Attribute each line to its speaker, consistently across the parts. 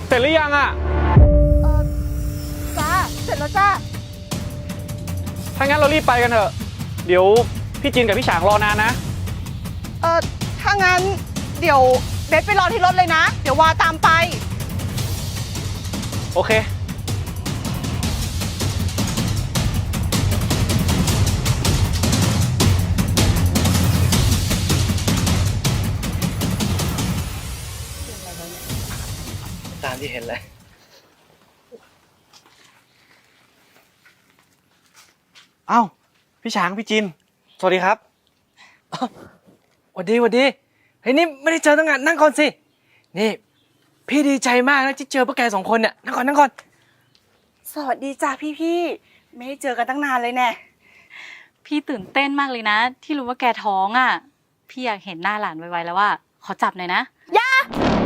Speaker 1: เสร็จหรือยังอ่ะ
Speaker 2: จ้าเสร็จแล้วจ้า
Speaker 1: ถ้างั้นเรารีบไปกันเถอะ เดี๋ยวพี่จินกับพี่ฉางรอนานนะ
Speaker 2: ถ้างั้นเดี๋ยวเบสไปรอที่รถเลยนะ เดี๋ยววาตามไป
Speaker 1: โอเค
Speaker 3: ตามที่เห็นเลยเอ้าพี่ช้างพี่จินสวัสดีครับหวัดดีเฮ้ยนี่ไม่ได้เจอตั้งนานนั่งก่อนสินี่พี่ดีใจมากนะที่เจอพวกแก2 คนเนี่ยนั่งก่อน
Speaker 2: สวัสดีจ้าพี่ไม่ได้เจอกันตั้งนานเลยแน่
Speaker 4: พี่ตื่นเต้นมากเลยนะที่รู้ว่าแกท้องอ่ะพี่อยากเห็นหน้าหลานไวๆแล้วว่าขอจับหน่อยนะ
Speaker 2: ย่า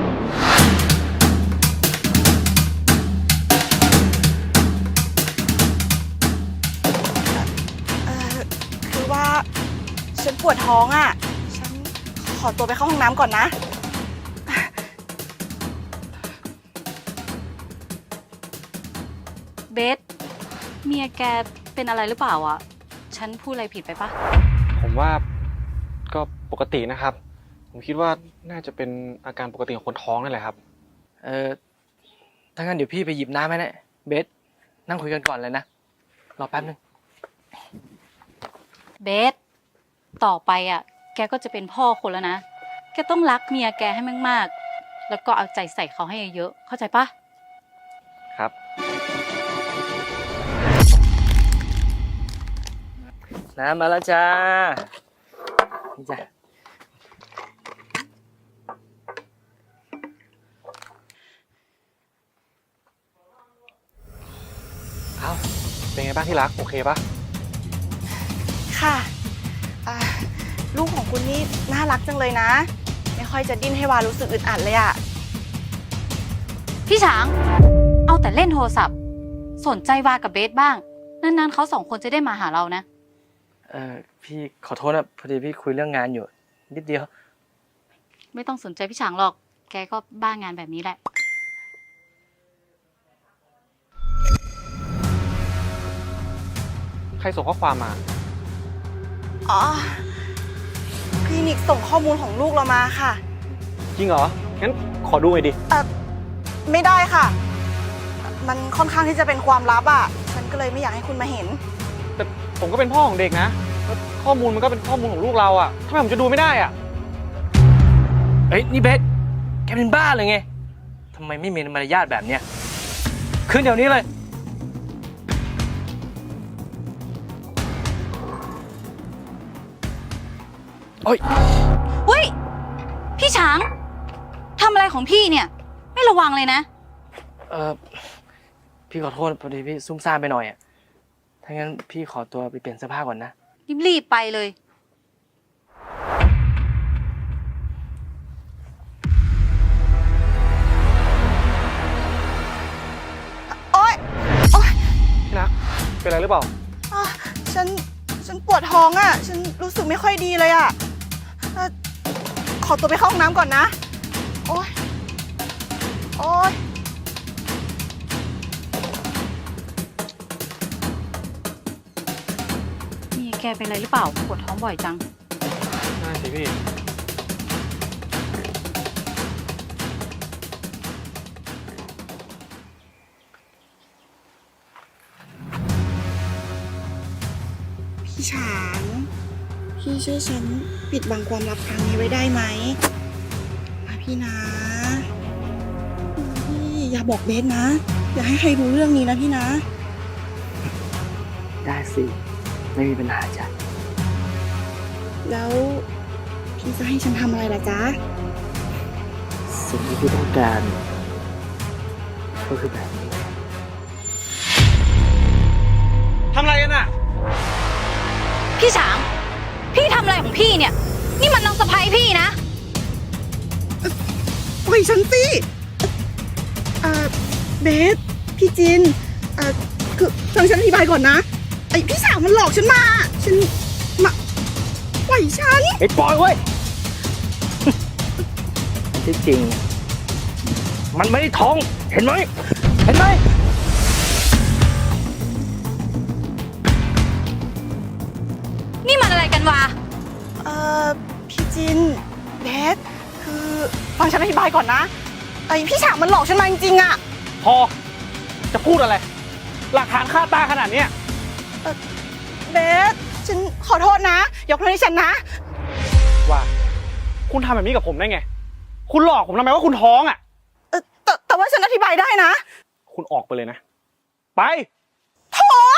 Speaker 2: คือว่าฉันปวดท้องอ่ะฉันขอตัวไปเข้าห้องน้ำก่อนนะ
Speaker 4: เบสเมียแกเป็นอะไรหรือเปล่าอ่ะฉันพูดอะไรผิดไปปะ
Speaker 1: ผมว่าก็ปกตินะครับ ผมคิดว่าน่าจะเป็นอาการปกติของคนท้องนั่นแหละครับ
Speaker 3: ถ้างั้นเดี๋ยวพี่ไปหยิบน้ำให้นะเบสนั่งคุยกันก่อนเลยนะรอแป๊บนึง
Speaker 4: เบสต่อไปอ่ะแกก็จะเป็นพ่อคนแล้วนะแกต้องรักเมียแกให้มากๆแล้วก็เอาใจใส่เขาให้เยอะๆเข้าใจปะ
Speaker 1: ครับ
Speaker 3: น้ำมาแล้วจ้านี่จ้ะ
Speaker 1: เอาเป็นไงบ้างที่รักโอเคปะ
Speaker 2: ค่ะลูกของคุณนี่น่ารักจังเลยนะไม่ค่อยจะดิ้นให้วารู้สึกอึดอัดเลยอะ
Speaker 4: พี่ช้างเอาแต่เล่นโทรศัพท์สนใจวากับเบสบ้างนานๆเขา2 คนจะได้มาหาเรานะ
Speaker 3: พี่ขอโทษนะพอดีพี่คุยเรื่องงานอยู่นิดเดียว
Speaker 4: ไม่ต้องสนใจพี่ช้างหรอกแกก็บ้างานแบบนี้แหละ
Speaker 1: ใครส่งข้อความมา
Speaker 2: อ๋อคลินิกส่งข้อมูลของลูกเรามาค่ะ
Speaker 1: จริงเหรองั้นขอดูหน่อยดิ
Speaker 2: ไม่ได้ค่ะมันค่อนข้างที่จะเป็นความลับอ่ะฉันก็เลยไม่อยากให้คุณมาเห็น
Speaker 1: แต่ผมก็เป็นพ่อของเด็กนะแล้วข้อมูลมันก็เป็นข้อมูลของลูกเราอ่ะทำไมผมจะดูไม่ได้อ่ะ
Speaker 3: เฮ้ยนี่เบสแกเป็นบ้าเลยไงทำไมไม่มีมารยาทแบบเนี้ยขึ้นเดี๋ยวนี้เลย
Speaker 4: โอ้ยอุ้ยพี่ช้างทำอะไรของพี่เนี่ยไม่ระวังเลยนะ
Speaker 3: พี่ขอโทษพอดีพี่ซุ่มซ่ามไปหน่อยอ่ะถ้างั้นพี่ขอตัวไปเปลี่ยนเสื้อผ้าก่อนนะ
Speaker 4: รีบไปเลย
Speaker 2: โอ๊ย
Speaker 1: พี่รักเป็นอะไรหรือเปล่า
Speaker 2: ฉันปวดท้องอ่ะฉันรู้สึกไม่ค่อยดีเลยอ่ะขอตัวไปเข้าห้องน้ำก่อนนะโอ๊ย
Speaker 4: มีแกเป็นอะไรหรือเปล่าปวดท้องบ่อยจัง
Speaker 1: น่าสิพี่
Speaker 2: ฉางพี่ช่วยฉันปิดบังความลับครั้งนี้ไว้ได้ไหมพี่นะพี่อย่าบอกเบสนะอย่าให้ใครรู้เรื่องนี้นะพี่นะ
Speaker 3: ได้สิไม่มีปัญหาจ้ะ
Speaker 2: แล้วพี่จะให้ฉันทำอะไรล่ะจ๊ะ
Speaker 3: สิ่งที่พี่ต้องการก็คือแบบนี้
Speaker 1: ทำอะไรกันอ่ะ
Speaker 4: พี่ช้างพี่ทำอะไรของพี่เนี่ยนี่มันน้องสะใภ้พี่นะ
Speaker 2: ปล่อยฉันสิเบสพี่จินคือฟังฉันอธิบายก่อนนะไอพี่สาวมันหลอกฉันมาปล่อยฉัน
Speaker 3: ไอ้ปล่อยเว้ยที่จริงมันไม่ได้ท้อง เห็นไหม เห็นไหม
Speaker 4: นี่มันอะไรกันวะ
Speaker 2: พี่จินเบสคือฟังฉันอธิบายก่อนนะไอพี่ฉางมันหลอกฉันมาจริงๆอะ
Speaker 1: พอ จะพูดอะไร หลักฐานคาตาขนาดเนี้ย
Speaker 2: เบสฉันขอโทษนะ ยกโทษให้ฉันนะ
Speaker 1: ว่า คุณทำแบบนี้กับผมได้ไง คุณหลอกผมทำไมว่าคุณท้องอ่ะ
Speaker 2: แต่ว่าฉันอธิบายได้นะ
Speaker 1: คุณออกไปเลยนะ ไป
Speaker 2: โถ่